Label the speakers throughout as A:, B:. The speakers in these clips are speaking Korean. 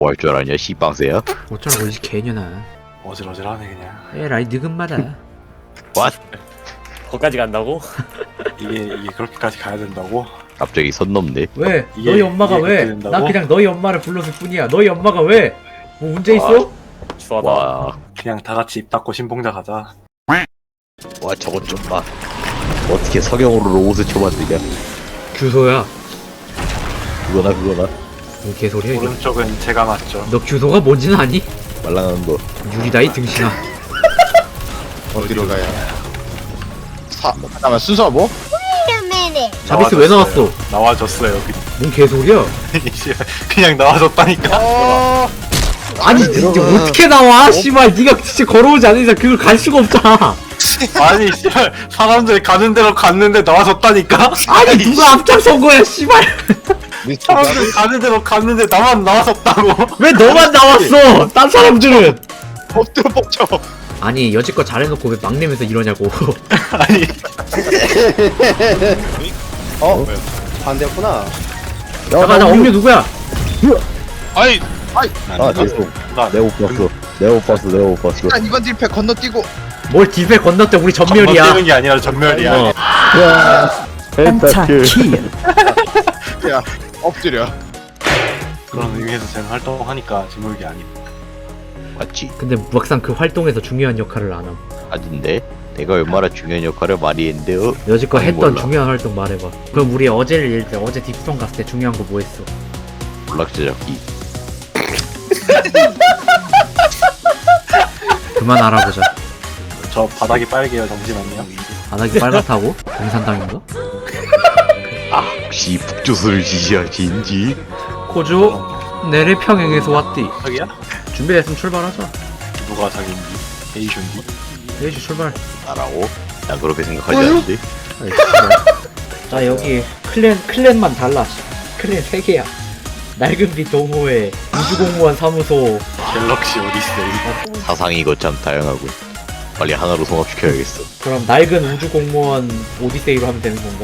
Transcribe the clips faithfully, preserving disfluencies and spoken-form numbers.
A: 뭐 할 줄 알았냐 씨빵새야?
B: 어쩌라고 이 개년아.
C: 어질어질하네 그냥.
B: 에라이 느금마다.
A: What?
D: 거기까지 간다고?
C: 이게 이게 그렇게까지 가야 된다고?
A: 갑자기 선 넘네.
B: 왜?
C: 이게-
B: 너희 엄마가
C: 이게
B: 왜?
C: 그렇게 된다고?
B: 난 그냥 너희 엄마를 불렀을 뿐이야. 너희 엄마가 왜? 뭐 문제 있어?
D: 추하다.
A: 와,
C: 그냥 다 같이 입 닫고 신봉자 가자.
A: 와 저것 좀 봐. 어떻게 석영으로 로봇을 쳐만드냐?
B: 규소야.
A: 그거나 그거나
B: 뭔 개소리야 이거.
C: 오른쪽은 제가 맞죠.
B: 너 규소가 뭔지는 아니?
A: 말랑한 거.
B: 유리다이 등신아.
E: 어디로 가야? 사, 잠깐만 순서가 뭐?
B: 자비스 왜 나왔어?
C: 나와줬어요.
B: 뭔 개소리야?
C: 그냥 나와줬다니까.
E: 어...
B: 아니 진짜 어떻게 나와? 씨발 네가 진짜 걸어오지 않은 이상 그걸 갈 수가 없잖아.
C: 아니 씨발 사람들 가는 대로 갔는데 나와줬다니까.
B: 아니 누가 앞장선 거야 씨발.
C: 사람들 가는 대로 갔는데 나만 나와줬다고.
B: 왜 너만 나왔어? 딴 사람들은.
E: 엎드려 뻗쳐.
B: 아니 여지껏 잘해놓고 왜 막내면서 이러냐고.
C: 아니
E: 어? 반대였구나.
B: 잠깐 나 엄류 누구야?
E: 아이,
A: 아 죄송.
C: 나
A: 내가 못 봤어. 내가 못 봤어. 내가 못 봤어.
E: 일단 이번 딜패 건너뛰고.
B: 뭘 딜배 건넜대 우리 전멸이야.
C: 건너뛰는 게 아니라 전멸이야.
B: 어.
E: 야, 엎드려.
C: 그런 의미에서 저는 활동하니까 지물이 아니.
A: 맞지?
B: 근데 막상 그 활동에서 중요한 역할을 안 함.
A: 아닌데? 내가 얼마나 중요한 역할을 많이 했는데 어?
B: 여지껏
A: 아니,
B: 했던
A: 몰라.
B: 중요한 활동 말해봐. 그럼 우리 어제를 예를 들어 어제 딥성 갔을 때 중요한 거 뭐 했어?
A: 몰락자 잡기.
B: 그만 알아보자.
C: 저 바닥이 빨개요. 잠시만요.
B: 바닥이 빨갛다고? 공산당인가?
A: 아 혹시 북조선을 지지하신지?
B: 코조 내래 평행에서 왔디.
C: 저기야?
B: 준비됐으면 출발하자.
C: 누가 자기인지 에이션지.
B: 레이지 출발.
A: 나라고? 난 그렇게 생각하지 않는데.
B: 아이, 씨발. 자 여기 클랜 클랜만 달라. 클랜 세 개야. 낡은빛 동호회, 우주공무원 사무소.
C: 갤럭시 오디세이.
A: 사상이 거참 다양하고. 빨리 하나로 통합시켜야겠어.
B: 그럼 낡은 우주공무원 오디세이로 하면 되는 건가?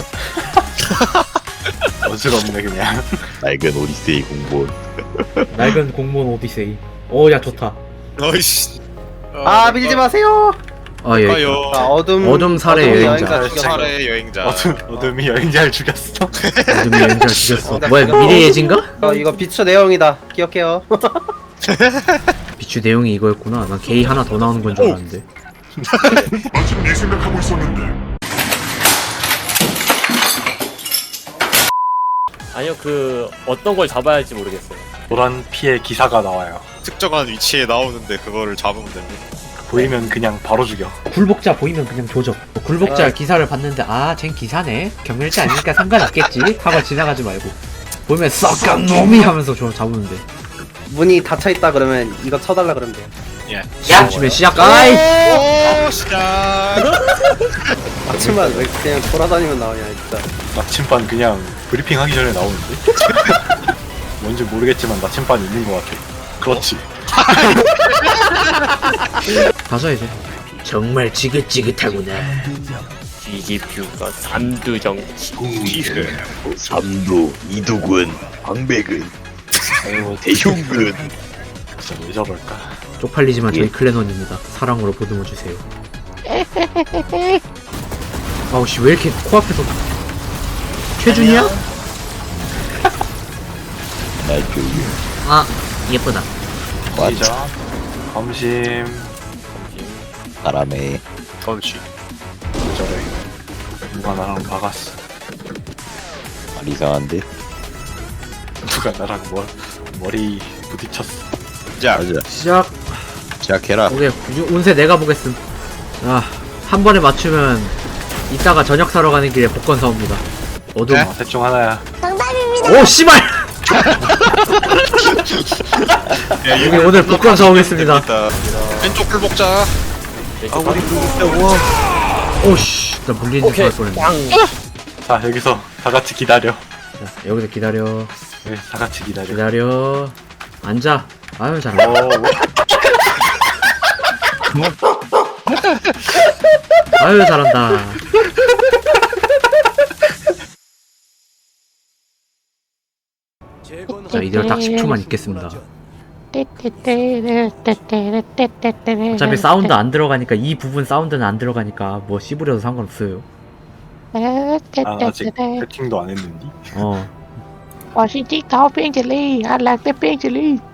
C: 어지럽네 그냥.
A: 낡은 오디세이 공무원.
B: 낡은 공무원 오디세이. 오 야 좋다.
F: 어이씨.
E: 아, 밀지 마세요.
B: 아 예.
F: 가요.
E: 자, 어둠.
B: 어둠 살해
E: 어둠
B: 여행자.
E: 죽였어.
F: 살해 여행자.
C: 어둠 어둠이 여행자를 죽였어.
B: 어둠이 여행자 죽였어.
E: 어, 나
B: 뭐야
E: 죽였어.
B: 미래 예진가?
E: 어, 이거 비추 내용이다. 기억해요.
B: 비추 내용이 이거였구나. 난 게이 하나 더 나오는 건 줄 알았는데.
G: 아직 네 생각하고 있었는데.
D: 아니요 그 어떤 걸 잡아야 할지 모르겠어요.
C: 노란 피의 기사가 나와요.
F: 특정한 위치에 나오는데 그거를 잡으면 됩니다.
C: 보이면 그냥 바로 죽여.
B: 굴복자 보이면 그냥 조져. 뭐 굴복자
E: 아.
B: 기사를 봤는데 아 쟨 기사네. 경멸자 아니니까 상관없겠지. 하고 지나가지 말고. 보면 썩간 놈이 하면서 좀 잡으면 돼.
E: 문이 닫혀 있다 그러면 이거 쳐달라 그러면 돼요.
C: 예.
B: 야! 치면 시작. 아이!
F: 오, 시작.
E: 아침만 왜 그냥 돌아다니면 나오냐 진짜.
C: 나침반 그냥 브리핑 하기 전에 나오는데? 뭔지 모르겠지만 나침반이 있는 것 같아. 그렇지.
B: 가자 이제. 정말 지긋지긋하구나.
D: 이기뷰가 삼두정
A: 구이근, 삼두, 이두근, 광백은,
C: 아이고
A: 대흉근.
C: 진짜 왜 저럴까?
B: 쪽팔리지만 저희 클랜원입니다. 사랑으로 보듬어 주세요. 아우씨 왜 이렇게 코앞에서 최준이야?
A: 나 조용.
B: 아 예쁘다.
C: 시작. 검심.
A: 바람에
F: 그렇지.
C: 저래. 누가 나랑 박았어.
A: 말 이상한데?
C: 누가 나랑 머, 머리 부딪혔어.
F: 자,
A: 맞아.
B: 시작.
A: 시작해라.
B: 오케이 유- 운세 내가 보겠음. 아한 번에 맞추면 이따가 저녁 사러 가는 길에 복권 사옵니다. 어둠.
F: 네?
C: 어, 셋 중 하나야.
B: 오 씨발. 여기 오늘 복권 사오겠습니다.
F: 왼쪽 굴복자.
D: 아 우리
B: 오씨 나 물리는 줄
D: 오케이
B: 알 뻔했네.
D: 빵.
C: 자 여기서 다 같이 기다려.
B: 자, 여기서 기다려.
C: 네, 다 같이 기다려.
B: 기다려. 앉아. 아유 잘한다.
C: 어, 왜?
B: 아유 잘한다. 자 이대로 딱 십 초만 있겠습니다. 어차피 사운드 안 들어가니까 이 부분 사운드는 안 들어가니까 뭐 씹으려도 상관없어요.
C: 아, 아직 세팅도 안 했는데.
B: 어.
H: 我是金桃冰淇淋，I like the 冰淇淋。